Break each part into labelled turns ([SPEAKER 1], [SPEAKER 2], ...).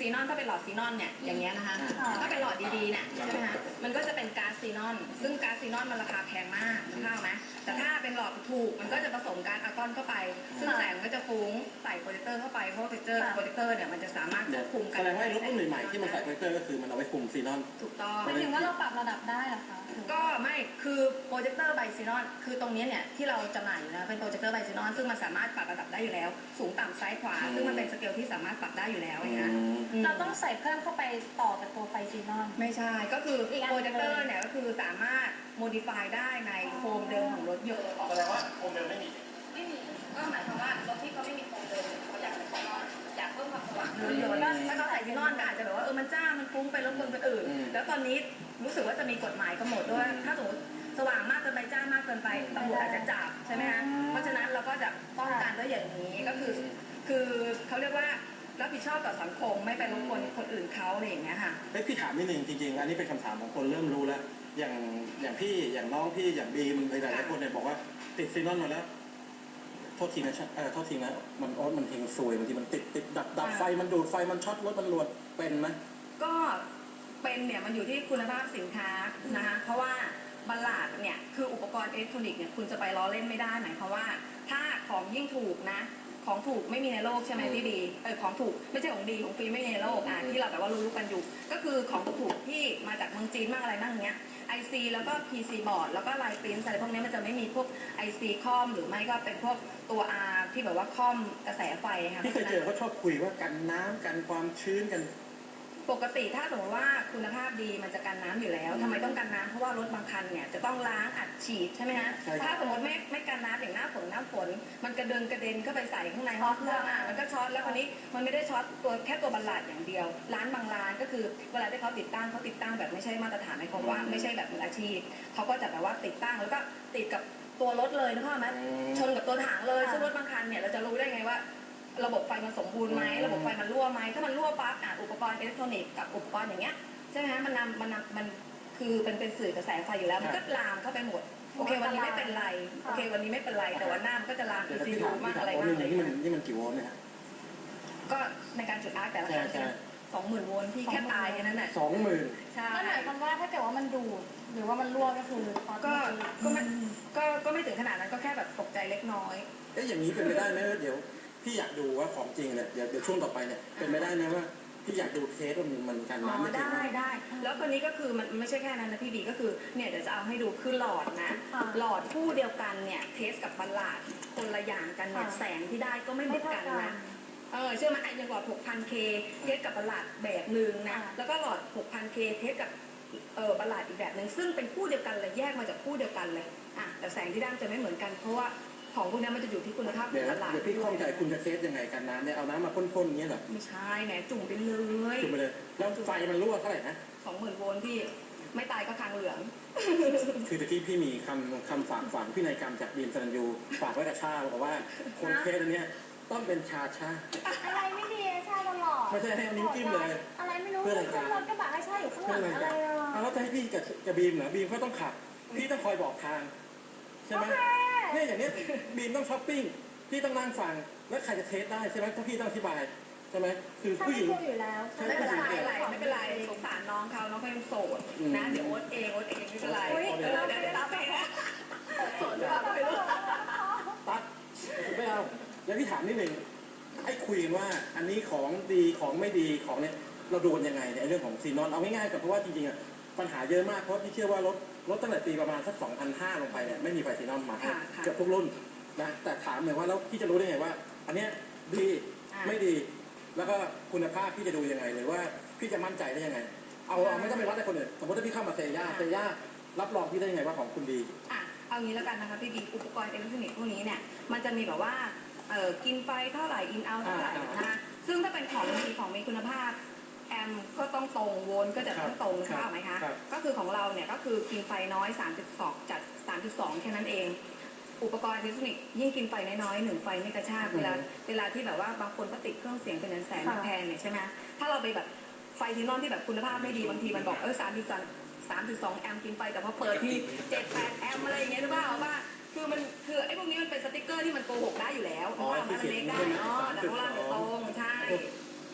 [SPEAKER 1] นอนถ้าเป็นหลอดซีนอนเนี่ยอย่างเงี้ยนะคะถ้าเป็นหลอดดีๆเนี่ยใช่ไหมคะมันก็จะเป็นก๊าซซีนอนซึ่งก๊าซซีนอนมันราคาแพงมากเข้าไหมแต่ถ้าเป็นหลอดถูกมันก็จะผสมก๊าซอาร์กอนเข้าไปซึ่งแสงก็จะฟุ้งใส่โปรเจคเตอร์เข้าไปเพราะโปรเจคเตอร์เนี่ยมันจะสามารถควบคุมกัน
[SPEAKER 2] แสดงว่ารถรุ่นใหม่ๆที่มันใส่โปรเจคเตอร์ก็คือมันเอาไว้คุมซีนอน
[SPEAKER 1] ถูกต้อง
[SPEAKER 3] หมายถึงว่าเราปรับระดับได้เหรอคะ
[SPEAKER 1] ก็ไม่คือโปรเจคเตอร์ไบซีนอนคือตรงนี้เนี่ยที่เราจำหน่ายอยู่นะเป็นโปรเจคเตอร์ไบซีนอนซึ่งมันสามารถปรับระดับได้อยู่แล้วสูงต่ำซ้ายขวาซึ่งมันเป็นสเกลที่สามารถปรับได้อยู่แล้วนะ
[SPEAKER 3] เราต้องใส่เพิ่มเข้าไปต่อจากตัวไฟซีนอน
[SPEAKER 1] ไม่ใช่ก็คือโปรเจคเตอร์เนี่ยก็คือสามารถโมดิฟายได้ในโคมเดิมของรถยนต์
[SPEAKER 2] แสดงว่าโคมเดิมไม่มี
[SPEAKER 1] ก็หมายความว่ารถที่เขาไม่มีโคมเดิมเขาอยากใส่ซีนอนอยากเพิ่มความสว่างถ้าเขาใส่ซีนอนก็อาจจะแบบว่ามันจ้ามันฟุ้งไปรบกวนคนอื่นแล้วตอนนี้รู้สึกว่าจะมีกฎหมายกำหนดด้วยถ้าสมมติสว่างมากเกินไปจ้ามากเกินไปตำรวจอาจจะจับใช่ไหมคะเพราะฉะนั้นเราก็จะป้องกันด้วยอย่างนี้ก็คือเขาเรียกว่ารับผิดชอบต่อสังคมไม่ไปรบกวนคนอื่นเขาอะไรอย่างเงี้ยค่ะ
[SPEAKER 2] พี่ถามนิดนึงจริงๆอันนี้เป็นคำถามของคนเริ่มรู้แล้วอย่างพี่อย่างน้องพี่อย่างบีมหลายๆคนเนี่ยบอกว่าติดซีนอนมาแล้วโทษทีนะโทษทีนะมันเฮงซวยบางทีมันติดดับไฟมันดูดไฟมันช็อตรถมันรวนเป็นไหม
[SPEAKER 1] ก็เป็นเนี่ยมันอยู่ที่คุณภาพสินค้านะคะเพราะว่าบัลลาดเนี่ยคืออุปกรณ์อิเล็กทรอนิกส์เนี่ยคุณจะไปล้อเล่นไม่ได้หมายความว่าถ้าของยิ่งถูกนะของถูกไม่มีในโลกใช่ไหมพี่ดีของถูกไม่ใช่ของดีของฟรีไม่มีในโลกที่เราแบบว่ารู้กันอยู่ก็คือของถูกที่มาจากเมืองจีนมากอะไรบ้างเงี้ย IC แล้วก็ PC บอร์ดแล้วก็ลายปริ้นอะไรพวกนี้มันจะไม่มีพวก IC คอมหรือไม่ก็เป็นพวกตัว R ที่แบบว่าคอมกระแสไฟค่ะ
[SPEAKER 2] พี่เคยเจอเขาชอบคุยว่ากันน้ำกันความชื้นกัน
[SPEAKER 1] ปกติถ้าสมมติว่าคุณภาพดีมันจะกันน้ำอยู่แล้วทำไมต้องกันน้ำเพราะว่ารถบางคันเนี่ยจะต้องล้างอัดฉีดใช่ไหมฮะถ้าสมมติไม่กันน้ำอย่างหน้าฝนมันกระเด็นเข้าไปใส่ข้างในห้องเครื่องมันก็ช็อตแล้วคนนี้มันไม่ได้ช็อตตัวแค่ตัวบัลลาดอย่างเดียวร้านบางร้านก็คือเวลาที่เขาติดตั้งแบบไม่ใช่มาตรฐานในความว่าไม่ใช่แบบมืออาชีพเขาก็จะแบบว่าติดตั้งแล้วก็ติดกับตัวรถเลยนะคะไหมชนกับตัวถังเลยซึ่งรถบางคันเนี่ยเราจะรู้ได้ไงว่าระบบไฟมันสมบูรณ์ไหมระบบไฟมันรั่วไหมถ้ามันรั่วปั๊บอุปกรณ์อิเล็กทรอนิกส์กับอุปกรณ์อย่างเงี้ยใช่ไหมฮะมันคือเป็นสื่อกระแสไฟอยู่แล้วมันก็ลามเข้าไปหมดโอเควันนี้ไม่เป็นไรโอเควันนี้ไม่เป็นไรแต่วันหน้ามันก็จะลาม ECU มากอะไรมากเลย
[SPEAKER 2] นี่มันกี่โวลต์เนี่ย
[SPEAKER 1] ก็ในการจุดอาร์คแต่ละครั้ง20,000 โวลต์ที่แค่ตายแค่นั้นแหละ
[SPEAKER 2] 20,000
[SPEAKER 1] ใช่
[SPEAKER 3] ก็หมายความว่าถ้าเกิดว่ามันดูดหรือว่ามันรั่วก็คือ
[SPEAKER 1] ก็ไม่ถึงขนาดนั้นก็แค่แบบตกใจเล็กน้อย
[SPEAKER 2] อย่างนี้เป็นไปได้ไหมเดี๋ยวพี่อยากดูว่าของจริงเนี่ยเดี๋ยวช่วงต่อไปเนี่ยเป็นไปได้ไหมว่าพี่อยากดูเทสว่ามันกันน้ำไม่
[SPEAKER 1] ได้แล้วตัวนี้ก็คือมันไม่ใช่แค่นั้นนะพี่บีก็คือเนี่ยเดี๋ยวจะเอาให้ดูคือหลอดนะหลอดคู่เดียวกันเนี่ยเทสกับบัลลาดคนละอย่างกันเนี่ยแสงที่ได้ก็ไม่เหมือนกันนะเชื่อไหมอย่างหลอด 6,000K เทสกับบัลลาดแบบหนึ่งนะแล้วก็หลอด 6,000K เทสกับบัลลาดอีกแบบหนึ่งซึ่งเป็นคู่เดียวกันเลยแยกมาจากคู่เดียวกันเลยแต่แสงที่ได้จะไม่เหมือนกันเพราะว่าของพวกนี้มันจะอยู่ที่คุณภาพของตลาด
[SPEAKER 2] เดี๋ยวพี่ข้องใจคุณจะเทสยังไงกันน้ำเนี่ยเอาน้ำมาพ่นๆอย่างเงี้ยเหรอ
[SPEAKER 1] ไม่ใช่แหมจุ่มไปเลย
[SPEAKER 2] แล้วไฟมันรั่วเท่าไหร่นะ
[SPEAKER 1] 20,000 โวลต์พี่ไม่ตายก็คางเหลือง
[SPEAKER 2] คือตะกี้พี่มีคำฝังพินัยกรรมจากบีมสรัญยูฝากไว้กับชาบอกว่าคนเทสอันนี้ต้องเป็นชา
[SPEAKER 3] อะไรไม่ดีชาตลอด
[SPEAKER 2] ไม่ใช่ให้นิ้วจิ้มเลย
[SPEAKER 3] อะไรไม่รู้เพื่อนรถกระบะให้ชาอยู่ข้างหลังอะไร
[SPEAKER 2] แล้วจะให้พี่กับบีมเหรอบีมก็ต้องขับพี่ต้องคอยบอกทางใช่ไหมเนี่ยอย่างนี้บีมต้องช้อปปิ้งพี่ต้องนั่งฟังแล้วใครจะเทสได้ใช่ไหมถ้าพี่ต้องอธิบายใช่ไหมคือผู้หญิง
[SPEAKER 3] อยู่แล้ว
[SPEAKER 1] ไม่เป็นไรสงสารน้องเขาเป็นโสดนะเดี๋ยวโอ๊ตเองไม่เป็นไรเดี๋ยวรับไปนะโสดรับไปเลย
[SPEAKER 2] ตัดไม่เอาแล้วพี่ถามนิดหนึ่งไอ้คุยกันว่าอันนี้ของดีของไม่ดีของเนี่ยเราดูยังไงในเรื่องของซีนอนเอาง่ายๆกับเพราะว่าจริงๆอ่ะปัญหาเยอะมากเพราะพี่เชื่อว่ารถตั้งแต่ปีประมาณสัก2,500ลงไปเนี่ยไม่มีไฟซีนอนมาเกือบทุกรุ่นนะแต่ถามหน่อยว่าแล้วพี่จะรู้ได้ไงว่าอันเนี้ยดีไม่ดีแล้วก็คุณภาพพี่จะดูยังไงหรือว่าพี่จะมั่นใจได้ยังไงเอาไม่ต้องไปวัดในคนอื่นสมมติถ้าพี่เข้ามาเซย่ารับรองพี่ได้ยังไงว่าของคุณดี
[SPEAKER 1] เอางี้แล้วกันนะคะพี่บีอุปกรณ์อิเล็กทรอนิกส์พวกนี้เนี่ยมันจะมีแบบว่ากินไฟเท่าไหร่อินเอาเท่าไหร่นะคะซึ่งถ้าเป็นของดีของมีคุณภาพแอมก็ต้องตรงโวลต์ก็จะต้องตรงใช่ไหมคะก็คือของเราเนี่ยก็คือกินไฟน้อย 3.2 จาก 3.2 แค่นั้นเองอุปกรณ์อิเล็กทรอนิกส์ยิ่งกินไฟน้อยๆ1 ไฟไม่กระชากเวลาที่แบบว่าบางคนก็ติดเครื่องเสียงเป็นแสนแพงเนี่ยใช่ไหมถ้าเราไปแบบไฟซีนอนที่แบบคุณภาพไม่ดีบางทีมันบอก3.2 แอมป์กินไฟแต่พอเปิดที่ 7-8 แอมป์อะไรอย่างเงี้ยหรือเปล่าว่าคือไอ้พวกนี้มันเป็นสติ๊กเกอร์ที่มันโกหกได้อยู่แล้วเพราะว่ามันเล็กได้แต่ของเราตรงใช่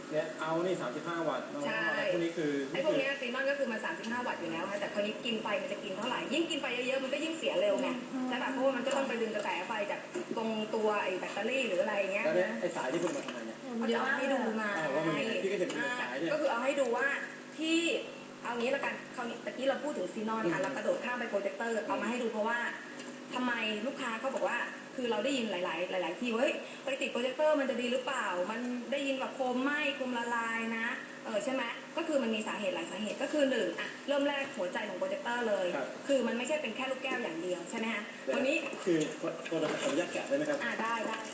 [SPEAKER 2] เนี่ยเอานี่35 วัตต์เอา
[SPEAKER 1] ใช่
[SPEAKER 2] อะไรพวกนี้คือ
[SPEAKER 1] ไอ้พวกเนี้ยซีนอนก็คือมัน35 วัตต์อยู่แล้วค่ะแต่คราวนี้กินไปมันจะกินเท่าไหร่ยิ่งกินไปเยอะๆมันก็ยิ่งเสียเร็วไงใช่ป่ะเพราะว่ามันก็ต้องไปดึงกระแสไฟจากตรงตัวไอ้แบตเตอรี่หรืออะไรเงี้ย
[SPEAKER 2] แล้วเนี่ย
[SPEAKER 1] นะ
[SPEAKER 2] ไอ้สายที่คุณมาทำไมเนี่ย
[SPEAKER 1] เขาจะเอาให้ดูมา
[SPEAKER 2] ว่ามันยังไงพี่ก็เห็นเป็นสายเนี่ย
[SPEAKER 1] ก็คือเอาให้ดูว่าที่เอางี้ละกันคราวนี้ตะกี้เราพูดถึงซีนอนค่ะเรากระโดดข้ามไปโปรเจคเตอร์เอามาให้ดูเพราะว่าทำไมลูกค้าเขาบอกว่าคือเราได้ยินหลายๆที่เฮ้ยไปติดโปรเจคเตอร์มันจะดีหรือเปล่า มันได้ยินแบบโคมไหม้โคมละลายนะใช่ไหมก็คือมันมีสาเหตุหลายสาเหตุก็คือหนึ่งอะเริ่มแรกหัวใจของโปรเจคเตอร์เลย คือมันไม่ใช่เป็นแค่ลูกแก้วอย่างเดียวใช่ไหมฮะตัวนี้
[SPEAKER 2] คือตัวเราขออนุญาตแกะได้ไหมครับ
[SPEAKER 1] ได้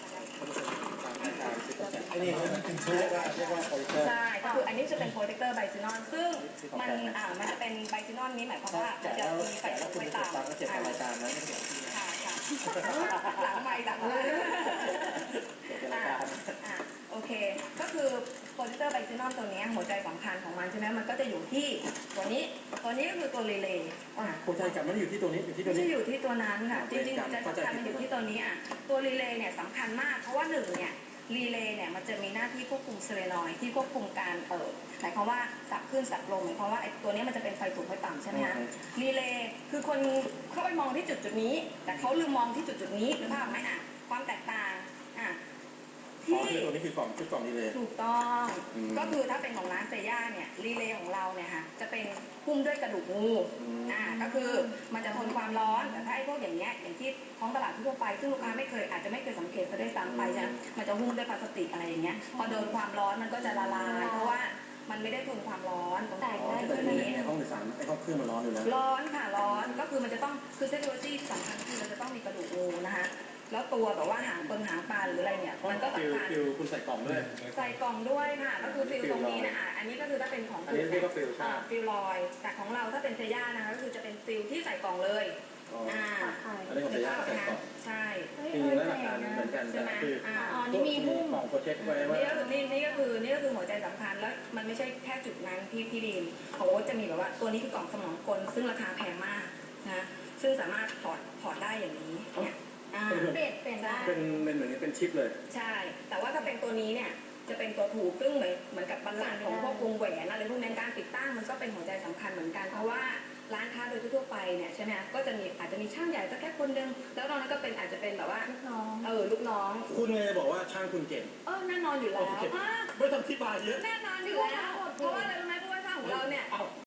[SPEAKER 2] อันนี้เรียกว่าโปรเจคเตอร์
[SPEAKER 1] ใช่ก็คืออันนี้จะเป็นโปรเจคเตอร์ไบซินอนซึ่งมันจะเป็นไบซินอนนี้หมายความว่ามันจะมีไฟสูงไฟต่ำ
[SPEAKER 2] ก็เจ็บรายการนะ
[SPEAKER 1] ค่ะหลังไม่หลังเลยโอเคก็คือโปรเจคเตอร์ไบซินอนตัวนี้หัวใจสำคัญของมันใช่ไหมมันก็จะอยู่ที่ตัวนี้ก็คือตัวรีเลย์
[SPEAKER 2] หัวใจกับมันอยู่ที่ตัวนี้อยู่ที่ตัว
[SPEAKER 1] ไม่
[SPEAKER 2] นี้
[SPEAKER 1] ใช่อยู่ที่ตัวนั้นค่ะจริงๆหัวใจสำคัญมันอยู่ที่ตัวนี้ตัวรีเลย์เนี่ยสำคัญมากเพราะว่าหนึ่งเนี่ยรีเลย์เนี่ยมันจะมีหน้าที่ควบคุมเซเลนอยด์ที่ควบคุมการหมายความว่าสับขึ้นสับลงหมายความว่าไอ้ตัวนี้มันจะเป็นไฟสูงไฟต่ำใช่ไหมคะรีเลย์คือคนเข้าไปมองที่จุดนี้แต่เขาลืมมองที่จุดนี้หรือเปล่าไหมความแตกต่างที่
[SPEAKER 2] ตัวนี้คือกล่องชุดกล่องรีเลย์
[SPEAKER 1] ถูกต้องก็คือถ้าเป็นของร้านเซย่าเนี่ยรีเลย์ของเราเนี่ยค่ะจะเป็นหุ้มด้วยกระดูกงูก็คือมันจะทนความร้อนแต่ถ้าไอ้พวกอย่างเงี้ยอย่างที่ท้องตลาดทั่วไปซึ่งลูกค้าอาจจะไม่เคยสังเกตซะด้วยซ้ำไปใช่ไหมมันจะหุ้มด้วยพลาสติกอะไรอย่างเงี้ยพอโดนความร้อนมันก็จะละลายเพราะว่ามันไม่ได้ทนความร้อนตรงนี้
[SPEAKER 2] ในห้องโดยสารไอ้ห้องเครื่องมันร้อนอยู่แล้ว
[SPEAKER 1] ร้อนค่ะร้อนก็คือมันจะต้องคือเทคโนโลยีที่สำคัญคือมันจะต้องมีกระดูกงูนะคะแล้วตัวแบบว่าหางหางปลาหรืออะไรเนี่ยมันก็สำคัญ
[SPEAKER 2] ฟิลคุณใส่กล่องด้วย
[SPEAKER 1] ใส่กล่องด้วยค่ะก็คือฟิลตรงนี้นะอันนี้ก็คือถ้าเป็นของ
[SPEAKER 2] อันนี้เรียกว่าฟิลใช่
[SPEAKER 1] ฟิลลอยแต่ของเราถ้าเป็นเซย่านะคะก็คือจะเป็นฟิลที่ใส่กล่องเลย
[SPEAKER 2] อันนี้ของเซย่าใส่กล่อง
[SPEAKER 1] ใช่
[SPEAKER 2] จริงๆแล้วหลักการเหมือนกันแต่คือนี่มีหุ้มกล่องโปรเจคไว้ว่า
[SPEAKER 1] นี่ก็คือหัวใจสำคัญแล้วมันไม่ใช่แค่จุดนั้นพี่บีมของโอ๊ตจะมีแบบว่าตัวนี้คือกล่องสมองกลซึ่งราคาแพงมากนะซึ่งสามารถถอดได้อย่างนี้เนี่ย
[SPEAKER 3] เปลี่ยนได้
[SPEAKER 2] เป็นเหมือนเป็นชิปเลย
[SPEAKER 1] ใช่แต่ว่าถ้าเป็นตัวนี้เนี่ยจะเป็นตัวถูกซึ่งเหมือนกับบัลลังก์ของพวกวงแหวนอะไรพวกนี้การติดตั้งมันก็เป็นหัวใจสำคัญเหมือนกันเพราะว่าร้านค้าโดยทั่วไปเนี่ยใช่ไหมก็จะมีอาจจะมีช่างใหญ่ก็แค่คนนึงแล้วนอกนั้นก็เป็นอาจจะเป็นแบบว่าลูกน้อง
[SPEAKER 2] คุณเลยบอกว่าช่างคุณเก่ง
[SPEAKER 1] แน่นอนอยู่แล้ว
[SPEAKER 2] ไม่ต้องอธิบายเยอะ
[SPEAKER 1] แน่นอนอยู่แล้วเพราะว่าอะไรรู้ไหมเพราะว่าช่างของเราเนี่ย